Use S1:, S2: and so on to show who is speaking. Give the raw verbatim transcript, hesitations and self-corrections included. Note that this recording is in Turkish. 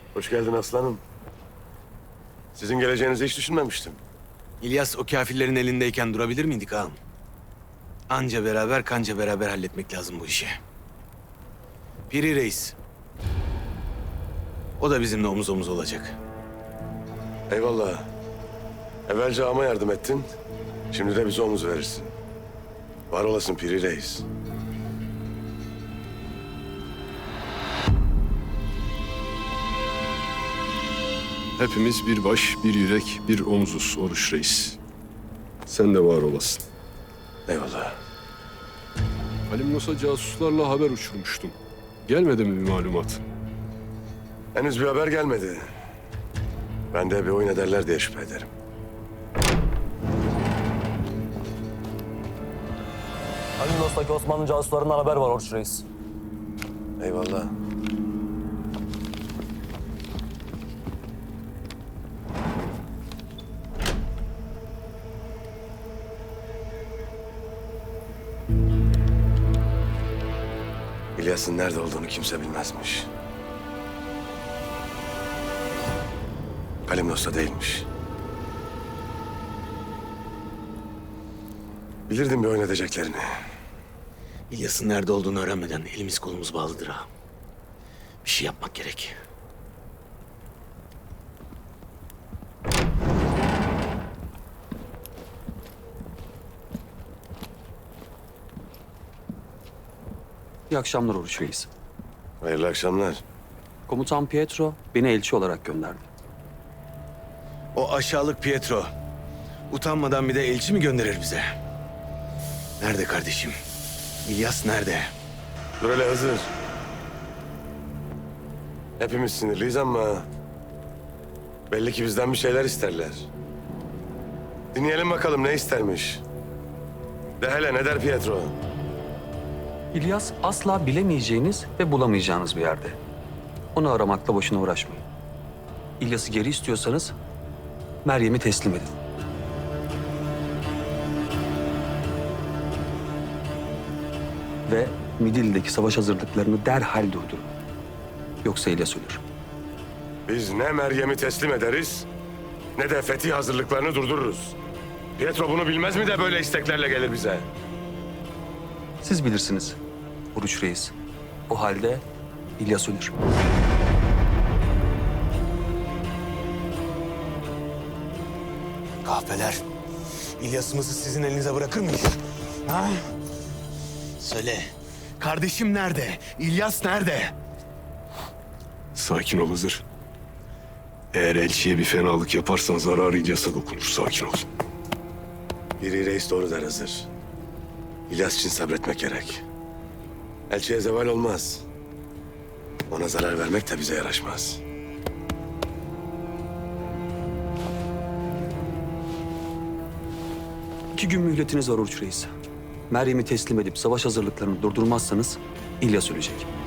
S1: Hoş geldin aslanım. Sizin geleceğinizi hiç düşünmemiştim.
S2: İlyas o kafirlerin elindeyken durabilir miydik ağam? Anca beraber kanca beraber halletmek lazım bu işi. Piri Reis. O da bizimle omuz omuz olacak.
S1: Eyvallah. Evvelce ağama yardım ettin. Şimdi de bize omuz verirsin. Var olasın Piri Reis.
S3: Hepimiz bir baş, bir yürek, bir omuzuz Oruç Reis. Sen de var olasın.
S1: Eyvallah.
S3: Halim Musa casuslarla haber uçurmuştum. Gelmedi mi bir malumat?
S1: Henüz bir haber gelmedi. Ben de bir oyun ederler diye şüphe ederim.
S4: Alimnos'taki Osmanlı casuslarından haber var Oruç Reis.
S1: Eyvallah. İlyas'ın nerede olduğunu kimse bilmezmiş. Kalimnos'ta değilmiş. Bilirdim bir oyun edeceklerini.
S2: İlyas'ın nerede olduğunu öğrenmeden elimiz kolumuz bağlıdır ağam. Bir şey yapmak gerek.
S5: İyi akşamlar Oruç Reis.
S1: Hayırlı akşamlar.
S5: Komutan Pietro beni elçi olarak gönderdi.
S2: O aşağılık Pietro utanmadan bir de elçi mi gönderir bize? Nerede kardeşim? İlyas nerede?
S1: Dur hele Hızır. Hepimiz sinirliyiz ama belli ki bizden bir şeyler isterler. Dinleyelim bakalım ne istermiş. De hele ne der Pietro?
S5: İlyas asla bilemeyeceğiniz ve bulamayacağınız bir yerde. Onu aramakla boşuna uğraşmayın. İlyas'ı geri istiyorsanız Meryem'i teslim edin. Ve Midilli'deki savaş hazırlıklarını derhal durdurun. Yoksa İlyas ölür.
S1: Biz ne Meryem'i teslim ederiz ne de fetih hazırlıklarını durdururuz. Pietro bunu bilmez mi de böyle isteklerle gelir bize?
S5: Siz bilirsiniz Oruç Reis. O halde İlyas ölür.
S2: Kahpeler. İlyas'ımızı sizin elinize bırakır mıyız? Ha? Söyle. Kardeşim nerede? İlyas nerede?
S3: Sakin ol Hızır. Eğer elçiye bir fenalık yaparsan zararı İlyas'a dokunur. Sakin ol.
S1: Piri Reis doğru der Hızır. İlyas için sabretmek gerek. Elçiye zeval olmaz. Ona zarar vermek de bize yaraşmaz.
S5: İki gün mühletiniz var Oruç Reis. Meryem'i teslim edip savaş hazırlıklarını durdurmazsanız İlyas ölecek.